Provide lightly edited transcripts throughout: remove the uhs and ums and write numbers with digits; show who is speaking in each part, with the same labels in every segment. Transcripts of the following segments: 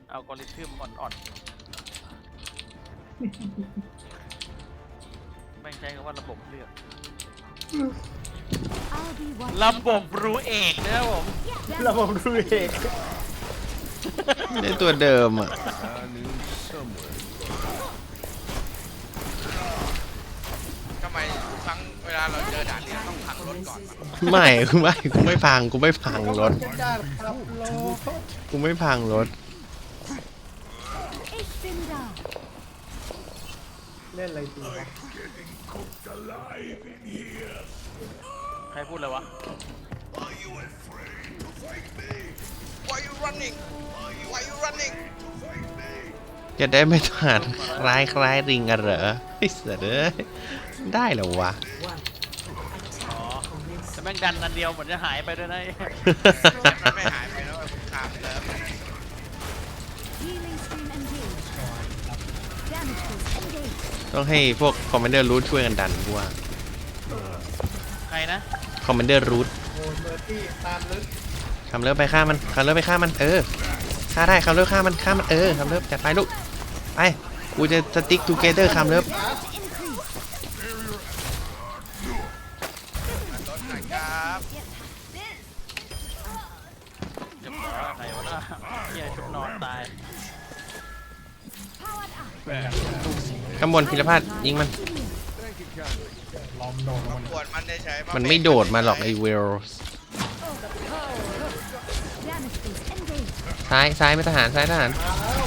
Speaker 1: อัลกอริทึมอ่อนๆไม่ใช่คำว่าระบบเลือกระบบรู้เอกนะครับผม
Speaker 2: ระบบรู้เอง
Speaker 3: ในตัวเดิมอ่ะ
Speaker 4: ทำไมทุกครั้งเวลาเราเจอด่านนี้ต้องพังรถก่อน
Speaker 3: ไม่กูไม่พังรถ
Speaker 2: จ้าครับโล
Speaker 3: กูไม่พังรถ
Speaker 2: เล่นอะไรจริงวะ
Speaker 1: ใครพูดเลยวะ
Speaker 4: Why you running Why you running
Speaker 3: จะได้ไม่ผ่านคล้ายริงกันเหรอไอ้เสือเด้ยได้เหรอวะ
Speaker 1: อ๋อแต่แม่งดันอันเดียวเหมือนจะหายไปด้วยนะ
Speaker 4: มันไม่หายไปแล้วคุณคามเลิฟ
Speaker 3: ต้องให้พวกคอมมานเดอร์รูทช่วยกันดันกูว่า
Speaker 1: ใครนะ
Speaker 3: คอมมานเดอร์รูท
Speaker 2: โอ้เมอร์ตี้ตามลึก
Speaker 3: คำเลิฟไปฆ่ามันฆ่าได้คำเลิฟฆ่ามันคำเลิฟจัดไปลูกไปกูจะสติ๊กทูเกเตอร์คำเลิฟ
Speaker 4: รถหน่อยครับ
Speaker 1: เรียบร้อยใครวะน่ะเฮียชุดนอนตาย
Speaker 3: ข้างบนพิรพาดยิงมัน
Speaker 2: ล้อมโดนมัน
Speaker 4: ปวดมันได้ใช้
Speaker 3: มันไม่โดดมาหรอกไอ้เวลซ้ายไม่ทหารซ้ายทหาร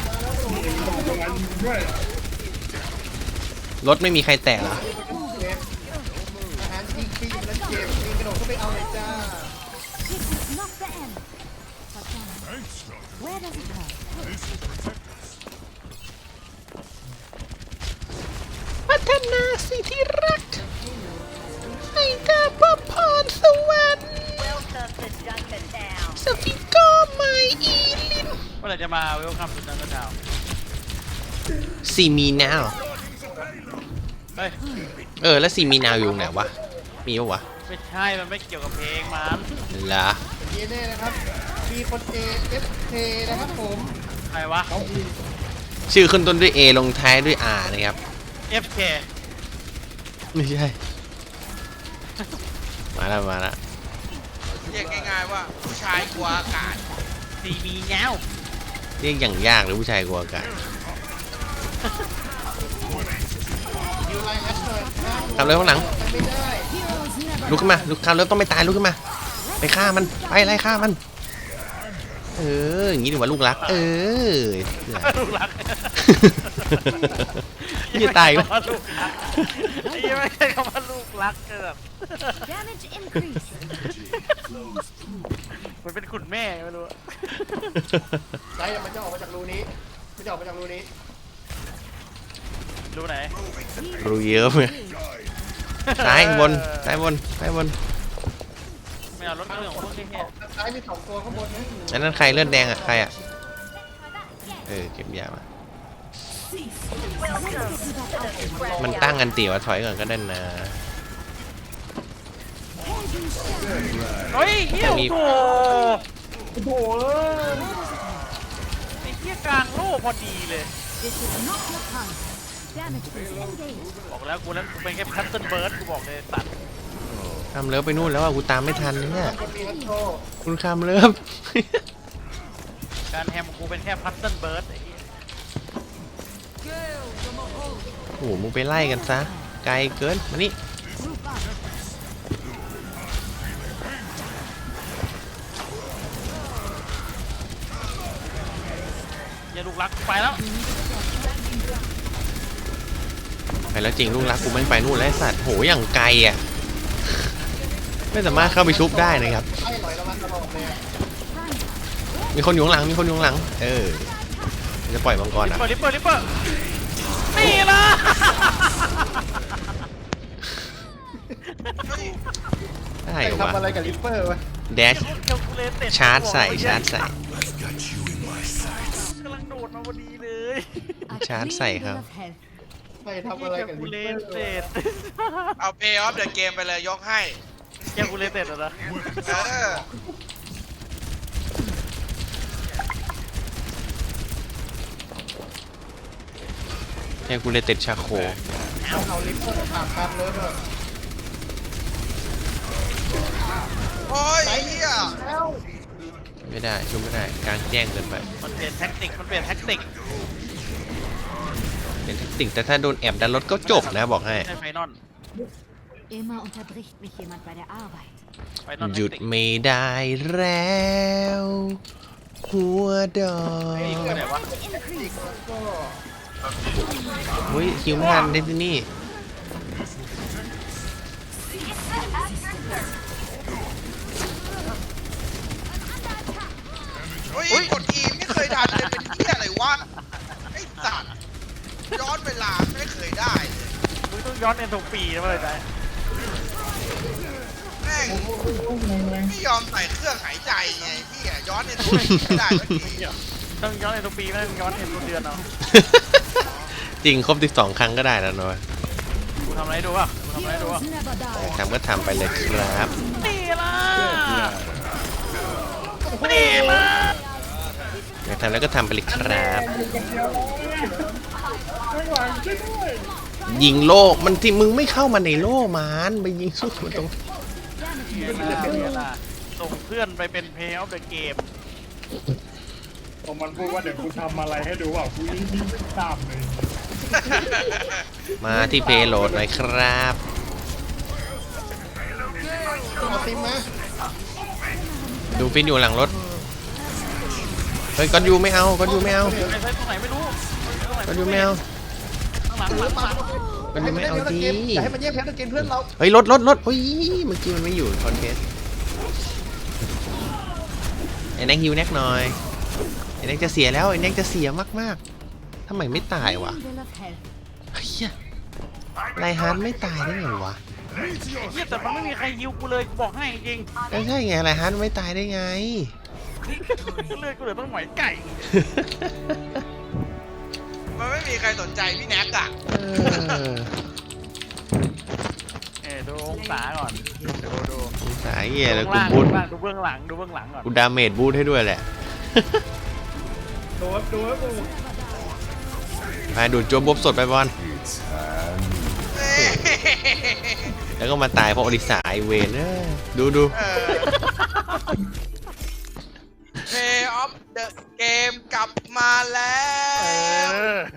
Speaker 3: รถไม่มีใครแตะเหรอ
Speaker 2: เจ็บอาหารจริงปีนแล้วเจ็บปีนกระโดดเข้าไปเอาเลยจ้า
Speaker 3: พัฒนาสิที่รักให้เธอพบพรสวรรค์สฟิโก้ไมอีลิน
Speaker 1: เมื่อไหร่จะมาเวลคัมสุดนันทดาว
Speaker 3: ซีมีนาว
Speaker 1: เฮ้ย
Speaker 3: แล้วซีมีนาวอยู่ไหนวะมีปะวะ
Speaker 1: ไม่ใช่มันไม่เกี่ยวกับเพลงมัน
Speaker 3: เหรอ
Speaker 2: เยเน่นะครับมีคนเอฟเคนะครับผม
Speaker 1: ใครวะ
Speaker 2: เขาอี
Speaker 3: ชื่อขึ้นต้นด้วย A ลงท้ายด้วย R นะครับ
Speaker 1: FK
Speaker 3: ไม่ใช่ มาแล้ว
Speaker 4: เรียกง่ายๆว่าผู้ชายกลัวอากาศ
Speaker 1: ซีบีเงา
Speaker 3: เรียกอย่างยากหรือผู้ชายกลัวกัน
Speaker 2: ยูไลน์แอชหน่อย
Speaker 3: ทำเรื่องข้างหลัง
Speaker 2: ไม่ได้
Speaker 3: ลุกขึ้นมาลุกคำเริ่มต้องไม่ตายลุกขึ้นมา ไปฆ่ามันไปไล่ฆ่ามัน อย่างนี้ดีกว่าลูกรัก
Speaker 1: ลูกรัก
Speaker 3: อย่าตายอีกแล้ว
Speaker 1: ลูกรักไอ้ยังไม่ใช่คำว่าลูกรักเกิดมันเป็นขุนแม่ไม่รู้
Speaker 2: ไซมันจะออกมาจากรูนี้มันจะออกมาจากรูนี้
Speaker 1: รู้ไหน
Speaker 3: รู้เยอะไหมซ้ายบน
Speaker 1: ไม่เอารถเครื่องของพวกนี้เฮีย
Speaker 2: ซ้ายมี2ตัวข้างบนนะ
Speaker 3: อันนั้นใครเลือดแดงอ่ะใครอ่ะเก็บยามามันตั้งกันตีว่าถอยก่อนก็ได้นะ
Speaker 1: เฮ้ยเฮีย
Speaker 3: มี
Speaker 1: โอ้โหไอ้เฮียกลางโลกพอดีเลยบอกแล้วกูเป็นแค่พัตเติ้ลเบิร์ดกูบอกเลยตัด
Speaker 3: คำเลิฟไปนู่นแล้วอ่ะกูตามไม่ทันเนี่ย
Speaker 2: คนมีฮัตโต
Speaker 3: คุณคำเลิฟ
Speaker 1: การแฮมของกูเป็นแค่พัตเติ้ลเบิร์ดไอ้เหี้ย
Speaker 3: โอ้โหมึงไปไล่กันซะไกลเกินมานี่
Speaker 1: อย่าลูกรักกูไปแล้ว
Speaker 3: ไปแล้วจริงลูกรักกูแม่งไปนู่นแล้วไอ้สัตว์โหอย่างไกลอ่ะไม่สามารถเข้าไปชุบได้นะครับ
Speaker 2: ไอ้หลอยระวังตลอดเลย
Speaker 3: มีคนอยู่ข้างหลังจะปล่อยมังกรอ่ะ
Speaker 1: ลิปเปอร์นี่ล่ะ
Speaker 3: ได้
Speaker 2: ไป
Speaker 3: เหรอวะ
Speaker 2: ทำอะไรกับลิปเปอร์วะ
Speaker 3: แดช ชาร์จใส่กำ
Speaker 1: ลังโดดมาพอดีเลย
Speaker 3: ชาร์จใส่ครับ
Speaker 2: ไปทำอะไรกับลิปเปอร์
Speaker 1: เต็ด
Speaker 4: เอา Pay off the game ไปเลยยกให้
Speaker 1: แกกูเลเต็ดเหรอนะ
Speaker 4: เออ
Speaker 3: ช่กูเลยติดชาโค
Speaker 2: เอาลิฟต์ผ่านกันเลยเถอะ
Speaker 4: โอ้ยไอ้เหี้ย
Speaker 3: ไม่ได้ชุบไม่ได้กลางแจ้งเกินไป
Speaker 1: มันเปลี่ยนแท็กติกมันเปลี่ยนแท็กติก
Speaker 3: เป็นแทคติกแต่ถ้าโดนแอบดันรถก็จบนะบอกให้
Speaker 1: ใช่ไฟนอล
Speaker 5: Immer unterbricht mich jemand bei der Arbeit.
Speaker 1: ไฟนอล
Speaker 3: หยุดไม่ได้แล้วหัวดอ
Speaker 1: ไอ้
Speaker 3: ก
Speaker 1: คือไหนวะ
Speaker 3: เฮ้ยคิวไม่ทันเดซินี่
Speaker 4: โอ้ยกดอีไม่เคยทันเลยเป็นเหี้ยอะไรวะไอ้สัตว์ย้อนเวลาไม่เคยได้เลย
Speaker 1: มึงต้องย้อนเอ็นโทปีนะเลยได้
Speaker 4: แม่งไม่ยอมใส่เครื่องหายใจไงพี่อะย้อนในตัวไม่ได้สักที
Speaker 1: ต้องย้อนเอ็นโทปีไม่ต้องย้อนเอ็นโทเดือนเอา
Speaker 3: จริงครบ12 ครั้งก็ได้แล้วเนาะ
Speaker 1: กูทำอะไรให้ดูป่ะกูทำอะไรให้ดูป่ะ
Speaker 5: Heroes never die.
Speaker 3: ทำก็ทำไปเลยครับ
Speaker 1: นี่ล่ะนี่ล่ะ
Speaker 3: อยากทำแล้วก็ทำไปเลยครับ ยิงโล่มันที่มึงไม่เข้ามาในโล่มันไปยิงสู้มันตรง
Speaker 1: นี่ล่ะส่งเพื่อนไปเป็นเพลย์ออฟเดอะเกม
Speaker 6: ผมมันพูดว่าเดี๋ยวกูทำอะไรให้ดูว่ากูยิ่งไม่ตามเลย
Speaker 3: มาที่เพย์โหลดหน่อยครับ
Speaker 2: เอาซิมมา
Speaker 3: ดูฟินอยู่หลังรถเฮ้ยก้อนยูไม่เอาก้อนยูไม่เอา
Speaker 1: ไปใช้ตรงไหนไม่รู้
Speaker 3: ก้อนยูไม่เอา
Speaker 1: ข้างหลังหลังหลัง
Speaker 3: ก้อนยูไม่เอาดี
Speaker 2: อย่าให้มันแย่งแพ้ตะเกมเพื่อนเรา
Speaker 3: เฮ้ยรถโอ้ยเมื่อกี้มันไม่อยู่คอนเทสไอ้แน็กฮิวแน็กหน่อยไอ้แน็กจะเสียแล้วไอ้แน็กจะเสียมากๆทำไมไม่ตายวะ
Speaker 5: Will of help.
Speaker 3: เฮียไลฮาร์ดไม่ตายได้ไงวะ
Speaker 1: ไอ้เหี้ยแต่มันไม่มีใครฮิวกูเลยกูบอกให้จริง
Speaker 3: ใช่ไงไลฮาร์ดไม่ตายได้ไง
Speaker 1: เลือดกูเหลือต้องหมอยไก่
Speaker 4: มันไม่มีใครสนใจพี่แน็กอะ
Speaker 3: เออ
Speaker 1: ดูองศาก่อนดู
Speaker 3: สายเหี้ยแล้วกู
Speaker 1: ล่าง
Speaker 3: บูท
Speaker 1: ดูเบื้องหลังดูเบื้องหลังก่อน
Speaker 3: กูดาเมจบูทให้ด้วยแหละ
Speaker 6: ดูครับดูครับดู
Speaker 3: ไปดูดจัวบบสดไปบอล
Speaker 4: เอ้ย
Speaker 3: แล้วก็มาตายเพราะอดิสาไอเวนดู
Speaker 4: เพย์ออฟเดอะเกมกลับมาแล้ว